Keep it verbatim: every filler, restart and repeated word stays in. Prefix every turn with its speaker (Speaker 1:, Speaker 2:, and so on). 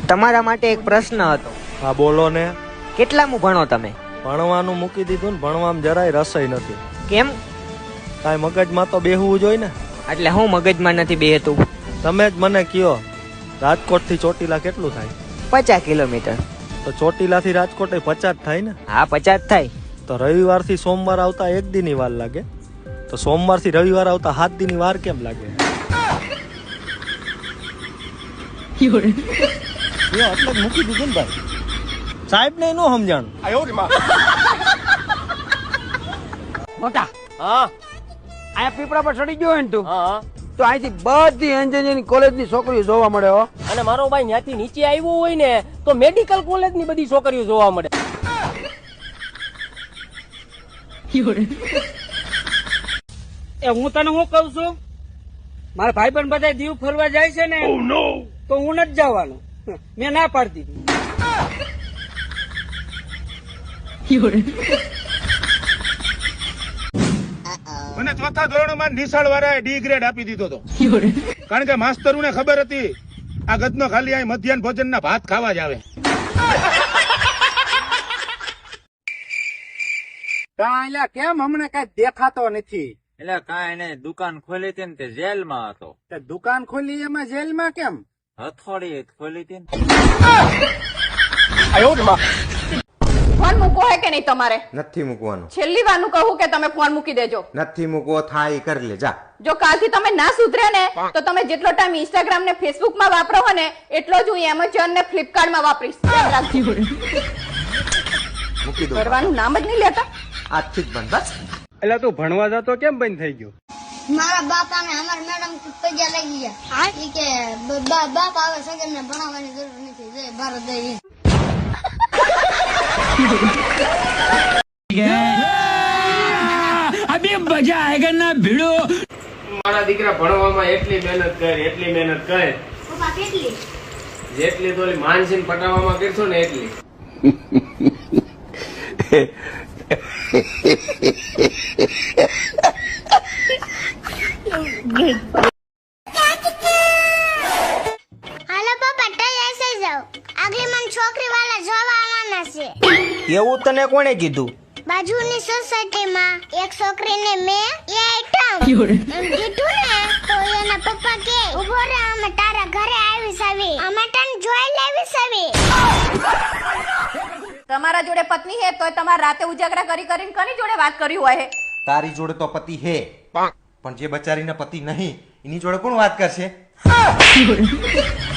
Speaker 1: તમારા માટે એક પ્રશ્ન હતો.
Speaker 2: હા બોલો ને.
Speaker 1: કેટલામું ભણો તમે?
Speaker 2: ભણવાનું મૂકી દીધું ને, ભણવામાં જરાય રસઈ નથી.
Speaker 1: કેમ?
Speaker 2: કાંઈ મગજમાં તો બેહવું જોઈએ ને.
Speaker 1: એટલે હું મગજમાં નથી બેહતું?
Speaker 2: તમે જ મને કયો, રાજકોટ થી ચોટીલા કેટલું થાય?
Speaker 1: પચાસ કિલોમીટર.
Speaker 2: તો ચોટીલા થી રાજકોટ પચાસ થાય ને?
Speaker 1: હા પચાસ થાય.
Speaker 2: તો રવિવાર થી સોમવાર આવતા એક દી ની વાર લાગે, તો સોમવાર થી રવિવાર આવતા સાત દી ની વાર કેમ લાગે? એટલે મૂકી દીધું ને ભાઈ, સાહેબ ને નો સમજાણ.
Speaker 3: મોટા
Speaker 4: હા
Speaker 3: આ પીપળા પર ચડી ગયો હોય ને તું,
Speaker 4: હા
Speaker 3: તો અહીંથી બધી એન્જિનિયરિંગ કોલેજ ની છોકરીઓ જોવા મળે હો.
Speaker 4: અને મારો ભાઈ ત્યાંથી નીચે આવ્યો હોય ને તો મેડિકલ કોલેજ ની બધી છોકરીઓ જોવા મળે.
Speaker 3: એ હું તને શું કઉ છું, મારા ભાઈ પણ બધા દીવ ફરવા જાય છે ને, તો હું નથી જવાનું. મેં ના પાડતી હતી.
Speaker 5: મને ચોથા ધોરણમાં નિશાળ વાળાએ ડી ગ્રેડ આપી દીધો હતો, કારણ કે માસ્તરોને ખબર હતી આ ગધનો ખાલી અહીં મધ્યાહન ભોજનના ભાત ખાવા જ આવે.
Speaker 3: કાંઈ કેમ હમણાં કઈ દેખાતો નથી?
Speaker 6: એટલે કાંઈ નહીં, દુકાન ખોલી હતી ને તે જેલમાં હતો.
Speaker 3: તે દુકાન ખોલી એમાં જેલમાં કેમ?
Speaker 6: હથોડી ખોલી હતી ને.
Speaker 7: ફોન મૂકવો હે કે નહીં તમારે?
Speaker 8: નથી મૂકવાનું.
Speaker 7: છેલ્લી વાર કહું કે તમે ફોન મૂકી દેજો.
Speaker 8: નથી મૂકવો, થાય ઈ કરી લે જા.
Speaker 7: જો કાલથી તમે ના સુધરે ને તો તમે જેટલો ટાઈમ ઇન્સ્ટાગ્રામ ને ફેસબુક માં વાપરો હો ને એટલો જ હું એમેઝોન ને ફ્લિપકાર્ટ માં વાપરીશ. યાદ રાખજો.
Speaker 8: મૂકી દો.
Speaker 7: કરવાનું નામ જ નહીં લેતા.
Speaker 8: આજથી જ બંધ બસ.
Speaker 2: એટલે તું ભણવા જતો કેમ બંધ થઈ ગયો?
Speaker 9: મારા બાપા ને અમારા મેડમ પૈસા લઈ ગયા. ઈ કે બાપ આવે સગન ને ભણાવવાની જરૂર નથી, જય ભારત જય હિન્દ.
Speaker 3: અભી મજા આયેગા ના ભીડો.
Speaker 4: મારા દીકરા ભણવામાં એટલી મહેનત કરે, એટલી મહેનત કરે,
Speaker 9: પપ્પા કેટલી?
Speaker 4: જેટલી તો ઓલી માનસીને પટાવવામાં કરશો ને એટલી.
Speaker 9: હાલો પપ્પા તૈયાર થઈ જાવ, આગલી મને છોકરી વાળા જોવા આવવાના છે.
Speaker 1: એવું તને કોણે કીધું?
Speaker 9: બાજુની સોસાયટીમાં એક છોકરીને મેં એ આઈટમ એમ કીધું ને તો એના પપ્પા કે ઉભો રહે, અમે તારા ઘરે આવીશ, આવી અમે તને જોઈ લેવીશ. આવી
Speaker 7: તમારા જોડે પત્ની હે તો તમારે રાતે ઉજાગરા કરી કરીને કોની જોડે વાત કરી હોય?
Speaker 8: તારી જોડે તો પતિ હે, પણ જે બચારીના પતિ નહીં એની જોડે કોણ વાત કરશે?